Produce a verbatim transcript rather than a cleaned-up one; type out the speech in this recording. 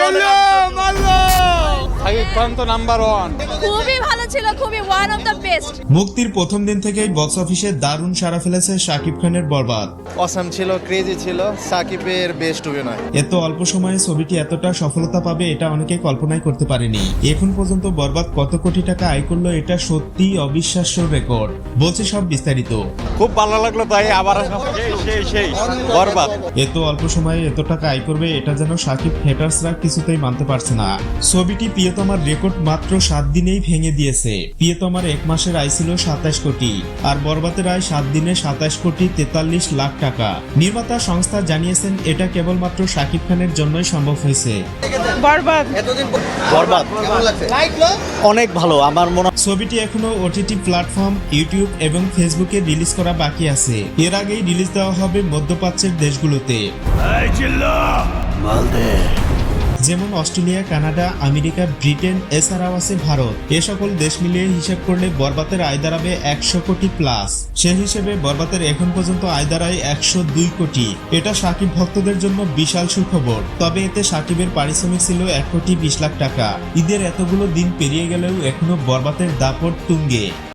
শাকিব খান তো number one. খুবই ভালো ছিল, খুবই ওয়ান অফ দ্য বেস্ট। মুক্তির প্রথম দিন থেকেই বক্স অফিসে দারুণ সাড়া ফেলেছে শাকিব খানের বরবাদ। অসাম ছিল, ক্রেজি ছিল, সাকিবের বেস্ট অভিনয়। এত অল্প সময়ে ছবিটি এতটা সফলতা পাবে এটা অনেকে কল্পনাই করতে পারেনি। এখন পর্যন্ত বরবাদ কত কোটি টাকা আয় করলো এটা সত্যি অবিশ্বাস্য রেকর্ড। বলছে সব বিস্তারিত। খুব ভালো লাগলো তাই আবার সেই সেই বরবাদ। এত অল্প সময়ে এত টাকা আয় করবে এটা যেন শাকিব হেটার্সরা কিছুতেই মানতে পারছে না। ছবিটি প্রিয়তমার রেকর্ড মাত্র সাত দিনেই ভেঙে দিয়েছে। প্রিয়তমার এক মাসের আয় ছিল সাতাশ কোটি, আর বরবাদের আয় সাত দিনে সাতাশ কোটি তেতাল্লিশ লাখ টাকা। নির্মাতা সংস্থা জানিয়েছেন এটা কেবলমাত্র শাকিব খানের জন্যই সম্ভব হয়েছে। বরবাদ বরবাদ কেমন লাগছে? অনেক ভালো। আমার মনে ছবিটি এখনো ওটিটি প্ল্যাটফর্ম ইউটিউব এবং ফেসবুকে রিলিজ করা বাকি আছে। এর আগেই রিলিজ দেওয়া হবে মধ্যপ্রাচ্যের দেশগুলোতে, যেমন অস্ট্রেলিয়া, কানাডা, আমেরিকা, ব্রিটেন, এছাড়াও আছে ভারত। এ সকল দেশ মিলিয়ে হিসেব করলে বরবাদের আয় দাঁড়াবে একশো কোটি প্লাস। সে হিসেবে বরবাদের এখন পর্যন্ত আয় দাঁড়ায় একশো দুই কোটি। এটা শাকিব ভক্তদের জন্য বিশাল সুখবর। তবে এতে শাকিবের পারিশ্রমিক ছিল এক কোটি বিশ লাখ টাকা। ঈদের এতগুলো দিন পেরিয়ে গেলেও এখনো বরবাদের দাপট তুঙ্গে।